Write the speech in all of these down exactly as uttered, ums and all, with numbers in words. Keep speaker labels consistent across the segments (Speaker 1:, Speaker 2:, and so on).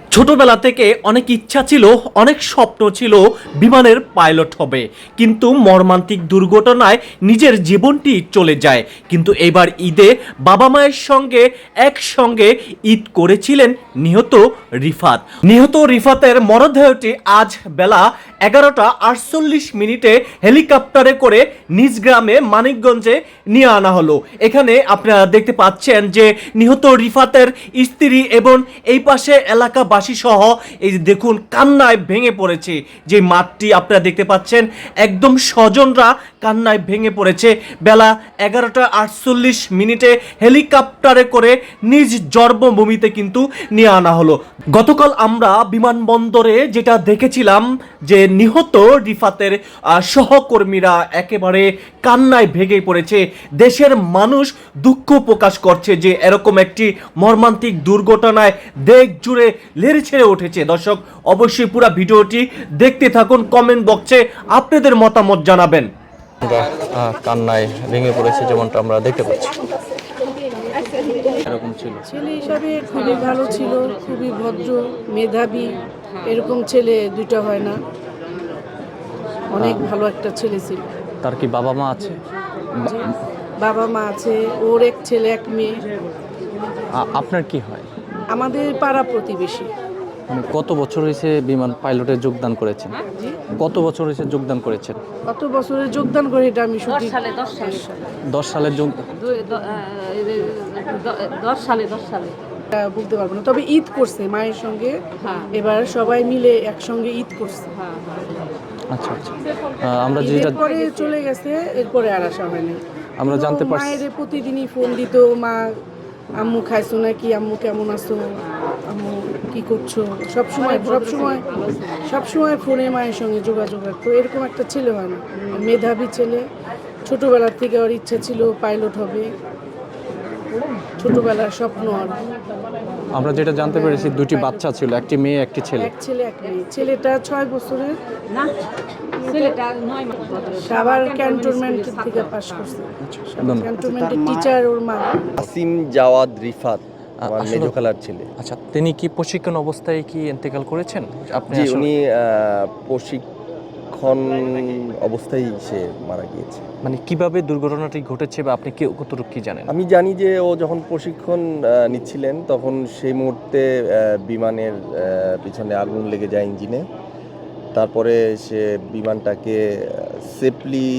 Speaker 1: ছোটবেলা থেকে অনেক ইচ্ছা ছিল, অনেক স্বপ্ন ছিল বিমানের পাইলট হবে, কিন্তু মর্মান্তিক দুর্ঘটনায় নিজের জীবনটি চলে যায়। কিন্তু এবার ঈদে বাবা মায়ের সঙ্গে একসঙ্গে ঈদ করেছিলেন নিহত রিফাত। নিহত রিফাতের মরদেহটি আজ বেলা এগারোটা আটচল্লিশ মিনিটে হেলিকপ্টারে করে নিজ গ্রামে মানিকগঞ্জে নিয়ে আনা হলো। এখানে আপনারা দেখতে পাচ্ছেন যে নিহত রিফাতের স্ত্রী এবং এই পাশে এলাকাবাসী সহ এই যে দেখুন কান্নায় ভেঙে পড়েছে। যে মাঠটি আপনারা দেখতে পাচ্ছেন একদম স্বজনরা কান্নায় ভেঙে পড়েছে। বেলা এগারোটা আটচল্লিশ মিনিটে হেলিকপ্টারে করে নিজ জন্মভূমিতে কিন্তু নিয়ে আনা হলো। গতকাল আমরা বিমানবন্দরে যেটা দেখেছিলাম যে নিহত রিফাতের আহ, সহকর্মীরা একেবারে কান্নায় ভেঙে পড়েছে। দেশের মানুষ দুঃখ প্রকাশ করছে যে এরকম একটি মর্মান্তিক দুর্ঘটনায় দেশ জুড়ে লেড়ে ছেড়ে উঠেছে। দর্শক অবশ্যই পুরো ভিডিওটি দেখতে থাকুন, কমেন্ট বক্সে আপনাদের মতামত জানাবেন।
Speaker 2: আমরা আহ, কান্নায় ভেঙে পড়েছে যেমনটা আমরা দেখতে পাচ্ছি। এরকম ছিল
Speaker 3: ছেলে হিসাবে খুবই ভালো ছিল, খুবই ভদ্র, মেধাবী। এরকম ছেলে দুইটা হয় না। অনেক ভালো একটা ছেলে ছিল।
Speaker 2: তার কি বাবা মা আছে?
Speaker 3: যে বাবা মা আছে, ওর এক ছেলে এক মেয়ে।
Speaker 2: আ- আপনার কি হয়?
Speaker 3: আমাদের পাড়া প্রতিবেশী।
Speaker 2: মানে কত বছর হয়েছে বিমান পাইলটে যোগদান করেছেন?
Speaker 3: জি,
Speaker 2: কত বছর হয়েছে যোগদান করেছেন?
Speaker 3: কত বছরে যোগদান করে এটা আমি শুধু
Speaker 4: দশ সালে দশ সালে
Speaker 2: দশ সালের যোগ
Speaker 4: দুই- দ- আহ, দ- দশ সালে দশ সালে
Speaker 3: বলতে পারবো না, তবে ঈদ করছে মায়ের সঙ্গে।
Speaker 4: হ্যাঁ।
Speaker 3: এবার সবাই মিলে একসঙ্গে ঈদ করছে।
Speaker 4: হ্যাঁ হ্যাঁ
Speaker 2: আচ্ছা আচ্ছা আহ, আমরা
Speaker 3: ঈদের
Speaker 2: যেটা
Speaker 3: পরে চলে গেছে, এরপরে আর আসা হয়নি।
Speaker 2: আমরা জানতে পারছি-
Speaker 3: মায়ের প্রতিদিনই ফোন দিত, মা আম্মু খাইছো নাকি, আম্মু কেমন আছো, আম্মু কি করছো, সব সময় সব সময় সব সময় ফোনে মায়ের সঙ্গে যোগাযোগ রাখতো। এরকম একটা ছেলে হয় না, মেধাবী ছেলে। ছোটবেলার থেকে ওর ইচ্ছা ছিল পাইলট হবে, ছোটবেলার স্বপ্ন। আর
Speaker 2: আমরা যেটা জানতে পেরেছি দুটি বাচ্চা ছিল, একটি মেয়ে একটি ছেলে।
Speaker 3: এক ছেলে এক মেয়ে। ছেলেটা ছয় বছরের,
Speaker 4: না ছেলেটা নয় মাস বয়স।
Speaker 3: সাভার ক্যান্টনমেন্ট থেকে পাশ করছে।
Speaker 2: ধন্যবাদ।
Speaker 3: ক্যান্টনমেন্টের টিচার ওর মা।
Speaker 5: আসিম জাওয়াদ রিফাত আমার
Speaker 2: আসলে-
Speaker 5: মেজো খালার ছেলে।
Speaker 2: আচ্ছা, তিনি কি প্রশিক্ষণ অবস্থায় কি ইন্তেকাল করেছেন? আপনি
Speaker 5: জি,
Speaker 2: আসলে-
Speaker 5: উনি আহ, প্রশিক্ষণ অবস্থায় সে মারা গিয়েছে।
Speaker 2: মানে কিভাবে দুর্ঘটনাটি ঘটেছে বা আপনি কি কতটুকু কি জানেন?
Speaker 5: আমি জানি যে ও যখন প্রশিক্ষণ আহ, নিচ্ছিলেন তখন সেই মুহূর্তে আহ, বিমানের আহ, পিছনে আগুন লেগে যায় ইঞ্জিনে। তারপরে সে বিমানটাকে সেফলি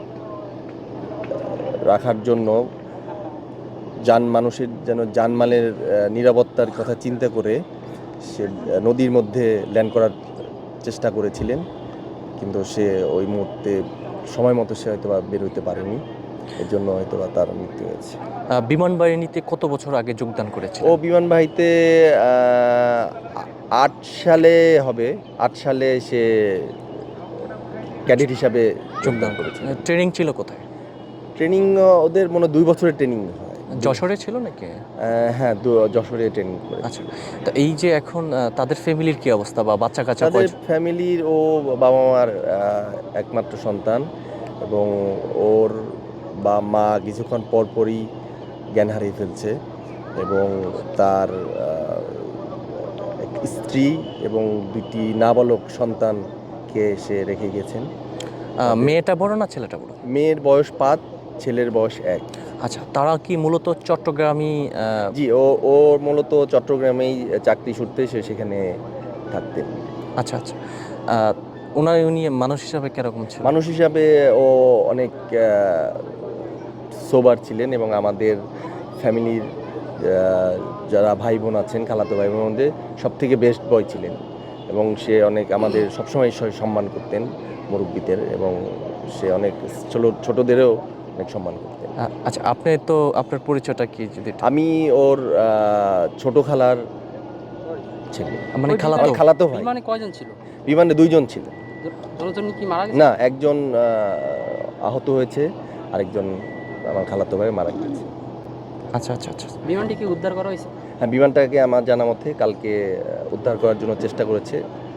Speaker 5: রাখার জন্য যান মানুষের যেন জানমালের আহ, নিরাপত্তার কথা চিন্তা করে সে আহ, নদীর মধ্যে ল্যান্ড করার চেষ্টা করেছিলেন, কিন্তু সে ওই মুহূর্তে সময় মতো সে হয়তো বা বের হইতে পারেনি, এর জন্য হয়তো বা তার মৃত্যু হয়েছে।
Speaker 2: আহ, বিমান বাহিনীতে কত বছর আগে যোগদান করেছে?
Speaker 5: ও বিমানবাহীতে আহ, আট সালে হবে, আট সালে সে ক্যাডেট হিসাবে যোগদান করেছে।
Speaker 2: ট্রেনিং ছিল কোথায়?
Speaker 5: ট্রেনিং ওদের মনে হয় দুই বছরের ট্রেনিং হয়।
Speaker 2: যশোরে ছিল নাকি?
Speaker 5: আহ, হ্যাঁ, দু- যশোরে ট্রেনিং করে।
Speaker 2: আচ্ছা, তো এই যে এখন আহ, তাদের ফ্যামিলির কি অবস্থা বা বাচ্চা কাচ্চা
Speaker 5: তাদের
Speaker 2: কয়জন?
Speaker 5: ফ্যামিলির ও বাবা মার আহ, একমাত্র সন্তান, এবং ওর বা মা কিছুক্ষণ পরপরই জ্ঞান হারিয়ে ফেলছে, এবং তার আহ, এক স্ত্রী এবং দুটি নাবালক সন্তানকে সে রেখে গেছেন।
Speaker 2: আহ, মেয়েটা বড় না ছেলেটা বড়?
Speaker 5: মেয়ের বয়স পাঁচ, ছেলের বয়স এক।
Speaker 2: আচ্ছা, তারা কি মূলত চট্টগ্রামী? আহ,
Speaker 5: জি, ও ও মূলত চট্টগ্রামেই চাকরি সূত্রে সে সেখানে থাকতেন।
Speaker 2: আচ্ছা আচ্ছা আহ, ওনার উনি মানুষ হিসাবে কিরকম ছিল?
Speaker 5: মানুষ হিসাবে ও অনেক সোবার ছিলেন, এবং আমাদের ফ্যামিলির যারা ভাই বোন আছেন, খালাতো ভাই বোনের মধ্যে সব থেকে বেস্ট বয় ছিলেন, এবং সে অনেক আমাদের সবসময় স- সম্মান করতেন মুরব্বীদের, এবং সে অনেক ছোট ছোটদেরও অনেক সম্মান করতেন।
Speaker 2: আহ, আচ্ছা, আপনি তো আপনার পরিচয়টা কি যদি একটু-
Speaker 5: আমি ওর আহ, ছোট খালার ছেলে,
Speaker 2: মানে খালাতো
Speaker 5: আমার খালাতো ভাই।
Speaker 6: বিমানে কয়জন ছিল?
Speaker 5: বিমানে দুইজন ছিল।
Speaker 6: দুজন কি মারা গেছে?
Speaker 5: না, একজন আহ, আহত হয়েছে, আরেকজন আমার খালাতো ভাই মারা গেছে।
Speaker 2: আচ্ছা আচ্ছা আচ্ছা
Speaker 6: বিমানটি কি উদ্ধার করা হয়েছে?
Speaker 5: হ্যাঁ, বিমানটাকে আমার জানা মতে কালকে আহ, উদ্ধার করার জন্য চেষ্টা করেছে।